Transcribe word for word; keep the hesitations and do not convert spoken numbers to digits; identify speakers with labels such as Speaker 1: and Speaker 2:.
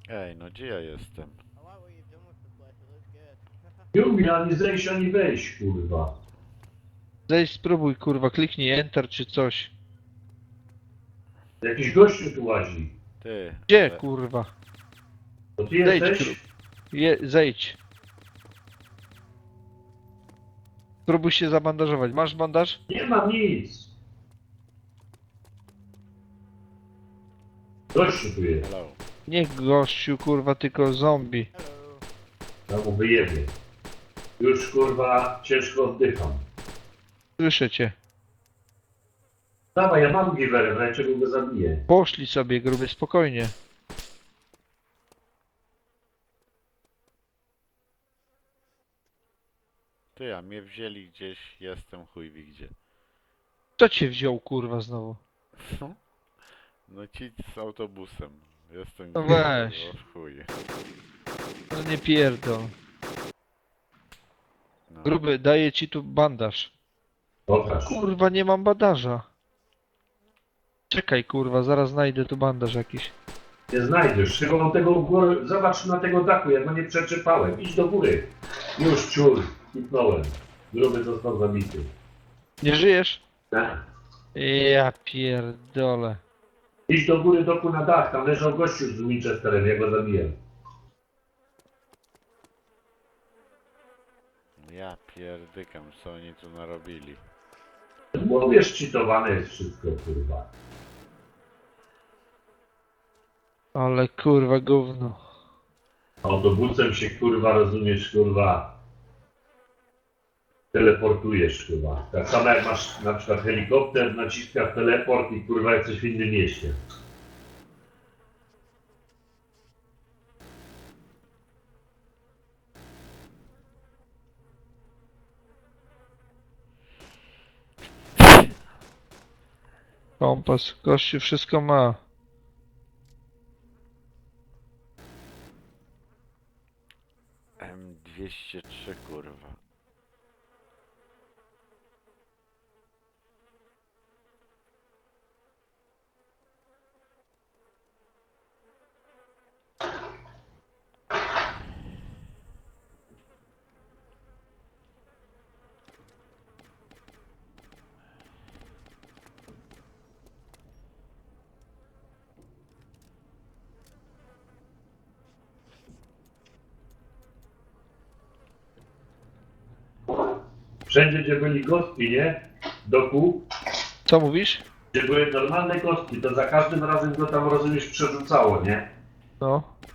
Speaker 1: Ej, no gdzie ja jestem?
Speaker 2: Nie ani zejść, ani wejść, kurwa.
Speaker 3: Zejdź, spróbuj, kurwa, kliknij Enter czy coś.
Speaker 2: Jakiś gościu tu łazi.
Speaker 1: Ty.
Speaker 3: Gdzie,
Speaker 1: ale-
Speaker 3: kurwa?
Speaker 2: To ty
Speaker 3: Zejdź,
Speaker 2: jesteś?
Speaker 3: Je, zejdź. Spróbuj się zabandażować. Masz bandaż?
Speaker 2: Nie mam nic. Gościu tu jest.
Speaker 1: Hello.
Speaker 3: Nie gościu, kurwa, tylko zombie.
Speaker 2: Ja mu wyjebie. Już, kurwa, ciężko oddycham.
Speaker 3: Słyszę cię.
Speaker 2: Dawaj, ja mam giwerę, wreszcie go zabiję.
Speaker 3: Poszli sobie, gruby, spokojnie.
Speaker 1: Ty, a mnie wzięli gdzieś, jestem chuj wie gdzie.
Speaker 3: Kto cię wziął, kurwa, znowu?
Speaker 1: No ci z autobusem. Jestem
Speaker 3: No
Speaker 1: gdzie,
Speaker 3: weź.
Speaker 1: o chuj.
Speaker 3: No nie pierdol.
Speaker 1: No.
Speaker 3: Gruby, daję ci tu bandaż.
Speaker 2: Pokaż.
Speaker 3: Kurwa, nie mam bandaża. Czekaj, kurwa, zaraz znajdę tu bandaż jakiś.
Speaker 2: Nie znajdziesz. Chyba tego góry. Zobacz na tego dachu, jak go nie przeczepałem. Idź do góry. Już, ciur. Kipnąłem. Gruby został zabity.
Speaker 3: Nie żyjesz?
Speaker 2: Tak.
Speaker 3: Ja pierdolę.
Speaker 2: Idź do góry, doku na dach. Tam leżał gościu z Winchesterem, ja go zabiję.
Speaker 1: Ja pierdykam, co oni tu narobili.
Speaker 2: Mówię, szczytowane jest wszystko, kurwa.
Speaker 3: Ale kurwa gówno.
Speaker 2: Autobusem się, kurwa, rozumiesz, kurwa, teleportujesz, kurwa. Tak samo jak masz na przykład helikopter, naciskasz teleport i, kurwa, jesteś w innym mieście.
Speaker 3: Kompas, gościu wszystko ma.
Speaker 1: M dwieście trzy kurwa.
Speaker 2: Wszędzie, gdzie byli kostki, nie? Doku,
Speaker 3: Co mówisz?
Speaker 2: gdzie były normalne kostki, to za każdym razem go tam, rozumiesz, przerzucało, nie?
Speaker 3: No.